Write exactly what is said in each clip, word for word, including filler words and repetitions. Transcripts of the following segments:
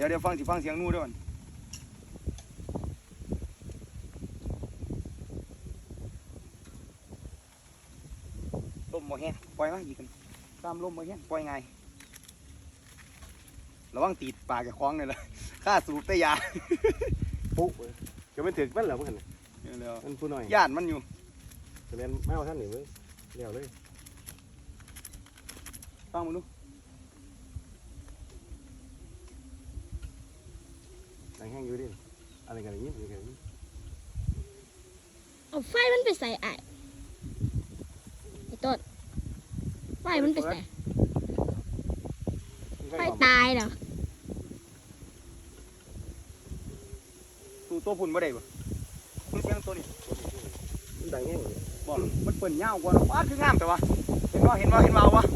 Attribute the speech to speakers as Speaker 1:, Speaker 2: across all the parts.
Speaker 1: ดี๋ยวเดี๋ยวฟังสิฟังเสียงนู่ด้วยก่อนลมบ่แห้งปล่อยมาอีกกันตามลมบ่แห้งปล่อยไงระวังตีดปากกับคล้องเลยล่ะข้าสูบแต่ยา
Speaker 2: ปุ๊บจะไม่ถึงมันเหรอเพื่อนมันผู้น้อย
Speaker 1: ย่านมันอยู่
Speaker 2: จะเป็นไม่เอาท่านหนิเว้ยเลี้ยวเลย
Speaker 1: ฟังมึงดู
Speaker 2: แห้งอยู่ดิอะไรกันอย่างนี้อะไรกันอย่างนี้
Speaker 3: เอาไฟมันไปใส่ไอ้ไอ้ต้นไฟมันไปใส่ไฟตายเหรอ
Speaker 1: ตัวตัวพุ่นบ่ได้บ่มึงเสียงตัวนี้
Speaker 2: มันดังแห้ง
Speaker 1: บอกมันเปิ่นยาวกว่าว้าคืองามแต่ว่าเห็นว่าเห็นว่าเห็นว่าวะ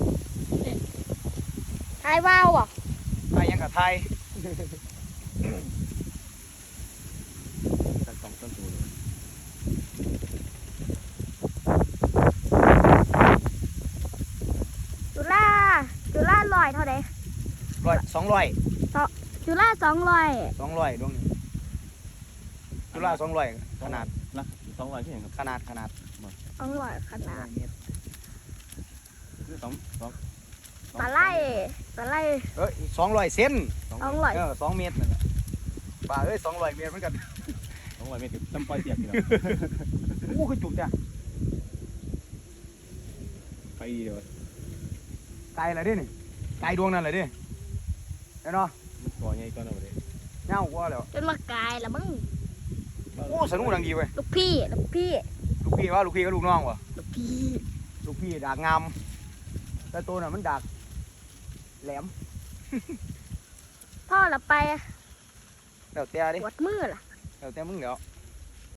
Speaker 3: ทายว่าวอ่ะ
Speaker 1: ไทยยังกับไทย
Speaker 2: สองต้นตัวเลย
Speaker 3: จุฬาจุฬาลอยเท่าไหร่
Speaker 1: ร้อยสองร้อย
Speaker 3: จุฬาสองร้อย
Speaker 1: สองร้อยดวงนี้จุฬาสองร้อยขนาด
Speaker 2: ละสองร้อยที่ไหนครับ
Speaker 1: ขนาดขนาด
Speaker 3: สองร้อยขนาด
Speaker 2: สองสอง
Speaker 3: ปลาไหลปลาไหล
Speaker 1: เอ้ยสองร้อยเซน
Speaker 3: สองร้อย
Speaker 1: เออสองเมตรนั่นแหละปลาเอ้ยสองร้อยเมตรเหมือนกัน
Speaker 2: สองร้อยเมตรตั้มปล่อยเสียบอยู่แล้ว
Speaker 1: โอ้คือจุกจ้ะ
Speaker 2: ไปเดี๋ยว
Speaker 1: ไกลอะไรดินี่ไกลดวงนั่นเลยดิเห็นเนาะ
Speaker 2: มันก่อใหญ่ก่อนเอาไปเลย
Speaker 1: เงากว่าแล้ว
Speaker 3: จนมากายแล้วมึง
Speaker 1: โอ้สนุกดังดีเว้ย
Speaker 3: ลูกพี่ลูกพี่
Speaker 1: ลูกพี่ว่าลูกพี่ก็ลูกน้องวะ
Speaker 3: ลูกพี่
Speaker 1: ลูกพี่ดากงามแต่ตัวน่ะมันดากแหลม
Speaker 3: พ่อเราไป
Speaker 1: เดี๋ยวเตะดิ
Speaker 3: ปวดมือล่ะ
Speaker 1: เดี๋ยวเตะมึงเดี๋ยว